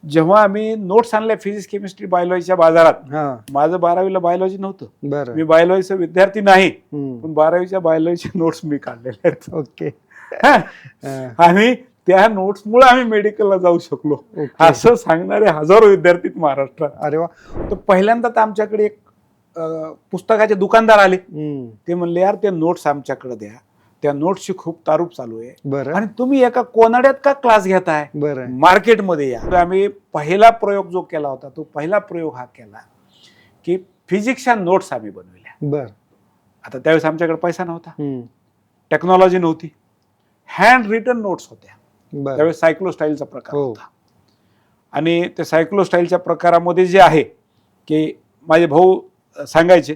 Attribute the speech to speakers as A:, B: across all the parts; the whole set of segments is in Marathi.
A: जेव्हा आम्ही नोट्स आणल्या फिजिक्स केमिस्ट्री बायोलॉजीच्या बाजारात,
B: हा
A: माझं 12वीला बायोलॉजी नव्हतं,
B: बरं
A: मी बायोलॉजीचा विद्यार्थी नाही,
B: हम्म.
A: पण 12वीच्या बायोलॉजीचे नोट्स मी काढलेले आहेत.
B: ओके
A: हा.
B: हा.
A: आणि त्या नोट्समुळे आम्ही मेडिकलला जाऊ शकलो
B: ओके.
A: असं सांगणारे हजारो विद्यार्थी आहेत महाराष्ट्रात.
B: अरे वा
A: तर पहिल्यांदा तर आमच्याकडे एक पुस्तकाचे दुकानदार आले.
B: हम्म.
A: ते म्हणले, यार ते नोट्स आमच्याकडे द्या, त्या नोट्सची खूप तारूप चालू आहे
B: बरं
A: आणि तुम्ही एका कोनाड्यात का क्लास घेताय,
B: बरं
A: मार्केटमध्ये या. तर आम्ही पहिला प्रयोग जो केला होता, तो पहिला प्रयोग हा केला की फिजिक्सच्या नोट्स आम्ही बनवल्या.
B: बरं
A: आता त्यावेळेस आमच्याकडे पैसा नव्हता,
B: हम्म.
A: टेक्नॉलॉजी नव्हती, हँड रिटन नोट्स होत्या.
B: बरं
A: त्यावेळेस सायक्लोस्टाईलचा प्रकार
B: हो.
A: होता. आणि त्या सायक्लोस्टाईलच्या प्रकारामध्ये जे आहे की माझे भाऊ सांगायचे,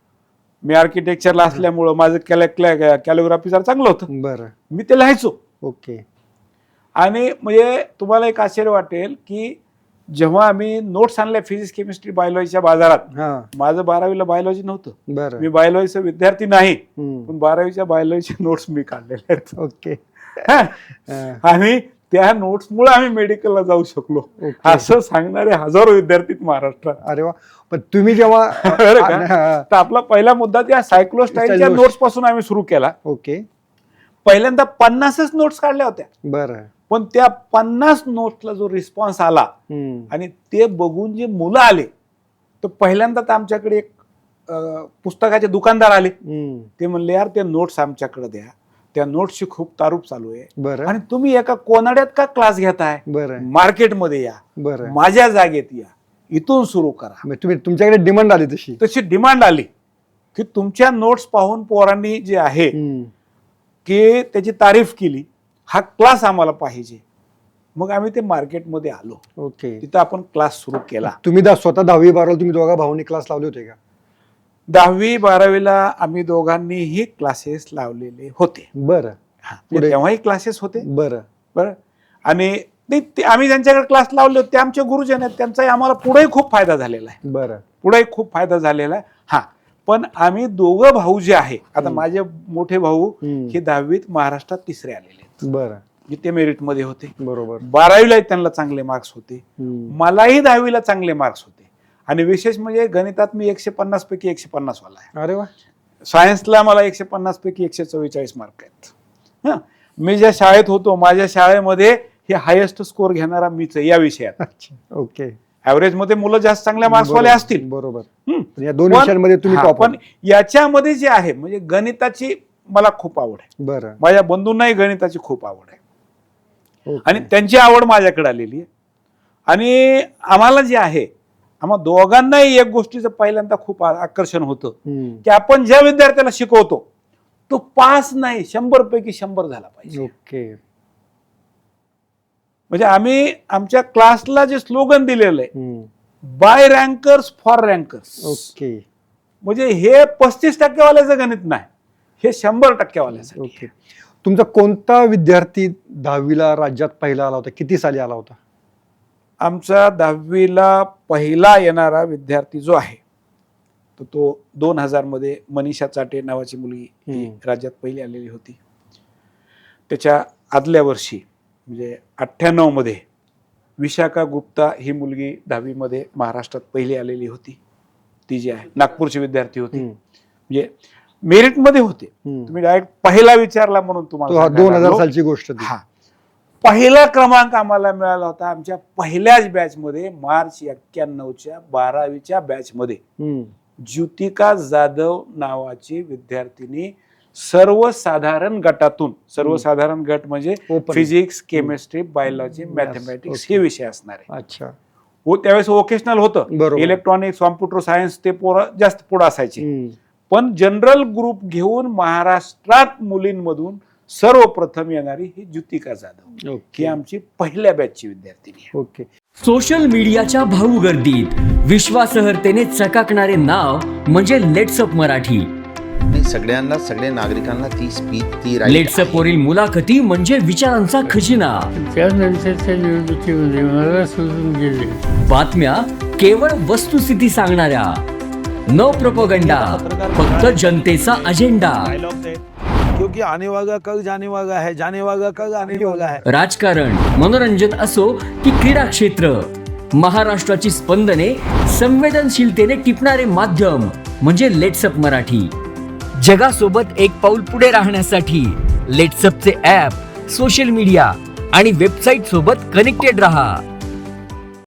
A: मी आर्किटेक्चरला असल्यामुळं माझं कॅलिग्राफी जरा चांगलं होतं,
B: बरं
A: मी ते लिहायचो.
B: ओके
A: आणि म्हणजे तुम्हाला एक आश्चर्य वाटेल की जेव्हा आम्ही नोट्स आणल्या फिजिक्स केमिस्ट्री बायोलॉजीच्या बाजारात,
B: हा
A: माझं 12वीला बायोलॉजी नव्हतं,
B: बरं
A: मी बायोलॉजीचा विद्यार्थी नाही,
B: हम्म.
A: पण 12वीच्या बायोलॉजीचे नोट्स मी काढलेले आहेत.
B: ओके
A: हा.
B: हा.
A: आणि त्या नोट्समुळे आम्ही मेडिकलला जाऊ शकलो
B: ओके.
A: असं सांगणारे हजारो विद्यार्थी आहेत महाराष्ट्रात.
B: अरे वा पण तुम्ही जेव्हा
A: बरं का?
B: हा.
A: तर आपला पहिला मुद्दा त्या सायक्लोस्टाईलच्या
B: नोट्स.
A: नोट्स पासून आम्ही सुरू केला.
B: ओके
A: पहिल्यांदा 50च नोट्स काढल्या होत्या,
B: बरं
A: पण त्या 50 नोट्सला जो रिस्पॉन्स आला
B: हम्म.
A: आणि ते बघून जे मुलं आले, तर पहिल्यांदा तर आमच्याकडे एक पुस्तकाचे दुकानदार आले.
B: हम्म.
A: ते म्हणले, यार ते नोट्स आमच्याकडे द्या, त्या नोट्सची खूप तारूप चालू आहे
B: बरं
A: आणि तुम्ही एका कोनाड्यात का क्लास घेताय,
B: बरं
A: मार्केटमध्ये या,
B: बरं
A: माझ्या जागेत या, इथून सुरू करा.
B: मग तुम्ही तुमच्याकडे डिमांड आली तशी
A: तशी डिमांड आली की तुमच्या नोट्स पाहून पोरांनी जे आहे
B: हम्म.
A: की त्याची तारीफ केली, हा क्लास आम्हाला पाहिजे. मग आम्ही ते मार्केटमध्ये आलो,
B: ओके
A: तिथं आपण क्लास सुरू केला.
B: तुम्ही स्वतः 10वी 12वी तुम्ही दोघा भाऊनी क्लास लावले होते का
A: 10वी 12वीला आम्ही दोघांनीही क्लासेस लावलेले होते.
B: बरं
A: हा,
B: पुढे?
A: तेव्हाही क्लासेस होते.
B: बरं
A: बरं. आणि आम्ही ज्यांच्याकडे क्लास लावले होते ते आमचे गुरुजन आहेत, त्यांचाही आम्हाला पुढेही खूप फायदा झालेला आहे,
B: बरं
A: पुढेही खूप फायदा झालेला आहे. हा, पण आम्ही दोघं भाऊ जे आहे, आता माझे मोठे भाऊ
B: हम्म.
A: हे 10वीत महाराष्ट्रात तिसरे आलेले आहेत,
B: बरं
A: म्हणजे ते मेरिटमध्ये होते.
B: बरोबर
A: 12वीला त्यांना चांगले मार्क्स होते,
B: हम्म.
A: मलाही 10वीला चांगले मार्क्स होते. आणि विशेष म्हणजे गणितात मी 150 पैकी 150 वाला आहे.
B: अरे वा
A: सायन्सला मला 150 पैकी 144 मार्क आहेत. हं. मी ज्या शाळेत होतो, माझ्या शाळेमध्ये हे हायेस्ट स्कोर घेणारा मीच आहे या विषयात.
B: अच्छा ओके
A: ऍव्हरेज मध्ये मुलं जास्त चांगल्या मार्क्सवाले असतील,
B: बरोबर
A: हं.
B: पण या दोन
A: पण-
B: विषयांमध्ये तुम्ही
A: हा,
B: टॉप
A: पण याच्यामध्ये जे आहे म्हणजे गणिताची मला खूप आवड आहे,
B: बरं
A: माझ्या बंधूंनाही गणिताची खूप आवड आहे
B: ओके.
A: आणि त्यांची आवड माझ्याकडे आलेली आहे. आणि आम्हाला जे आहे, आम्हा दोघांनाही एक गोष्टीचं पहिल्यांदा खूप आकर्षण होतं
B: हम्म.
A: की आपण ज्या विद्यार्थ्याला शिकवतो तो पास नाही, 100 पैकी 100 झाला पाहिजे.
B: ओके
A: म्हणजे आम्ही आमच्या क्लासला जे स्लोगन दिलेलं आहे,
B: हम्म.
A: By rankers for rankers,
B: okay
A: म्हणजे हे 35% वाल्याचं गणित नाही, हे 100% वाल्यासाठी.
B: ओके तुमचा कोणता विद्यार्थी 10वीला राज्यात पहिला आला होता, किती साली आला होता?
A: आमचा 10वीला पहिला येणारा विद्यार्थी जो आहे तो 2000 मध्ये मनीषा चाटे नावाची मुलगी ही राज्यात पहिली आलेली होती. त्याच्या आदल्या वर्षी म्हणजे 98 मध्ये विशाखा गुप्ता ही मुलगी 10वी मध्ये महाराष्ट्रात पहिली आलेली होती. ती जी आहे नागपूरची विद्यार्थी होती, म्हणजे मेरिटमध्ये होते. तुम्ही डायरेक्ट पहिला विचारला म्हणून तुम्हाला
B: 2000 सालची गोष्ट ती.
A: हा, पहिला क्रमांक आम्हाला मिळाला होता आमच्या पहिल्याच बॅच मध्ये, मार्च 91च्या 12वीच्या बॅच मध्ये.
B: हम्म.
A: ज्योतिका जाधव नावाची विद्यार्थिनी सर्वसाधारण गटातून, सर्वसाधारण गट म्हणजे
B: Open.
A: Physics chemistry biology mathematics हे विषय असणार आहे.
B: अच्छा
A: हो, त्यावेळेस वोकेशनल होतं,
B: बरोबर.
A: इलेक्ट्रॉनिक्स कॉम्प्युटर सायन्स ते पोरं जास्त पुढे असायचे.
B: हम्म.
A: पण जनरल ग्रुप घेऊन महाराष्ट्रात मुलींमधून सर्वप्रथम येणारी ही ज्योतिका जाधव, ही
B: ओके
A: आमची पहिल्या बॅचची विद्यार्थिनी आहे.
B: ओके
C: सोशल मीडियाच्या भाऊ गर्दीत विश्वासार्हतेने चकाकणारे नाव म्हणजे लेट्सअप मराठी.
D: नाही, सगळ्यांना, सगळ्या नागरिकांना ती स्पीच, ती right
C: लेट्सअप वरील मुलाखती म्हणजे विचारांचा खजिना.
E: त्यानंतरच्या निवडणुकीमध्ये मला सोडून गेले.
C: बातम्या केवळ वस्तुस्थिती सांगणाऱ्या, न प्रोपगंडा, फक्त जनतेचा अजेंडा.
F: क्योंकि आने वाला कल जाने वाला है, जाने वाला कल आने वाला है.
C: राजकारण, मनोरंजन असो की क्रीडा क्षेत्र, महाराष्ट्राची स्पंदने संवेदनशीलतेने टिपणारे माध्यम म्हणजे लेट्सअप मराठी. जगासोबत एक पाऊल पुढे राहण्यासाठी लेट्सअपचे ॲप, सोशल मीडिया आणि वेबसाईट सोबत कनेक्टेड रहा.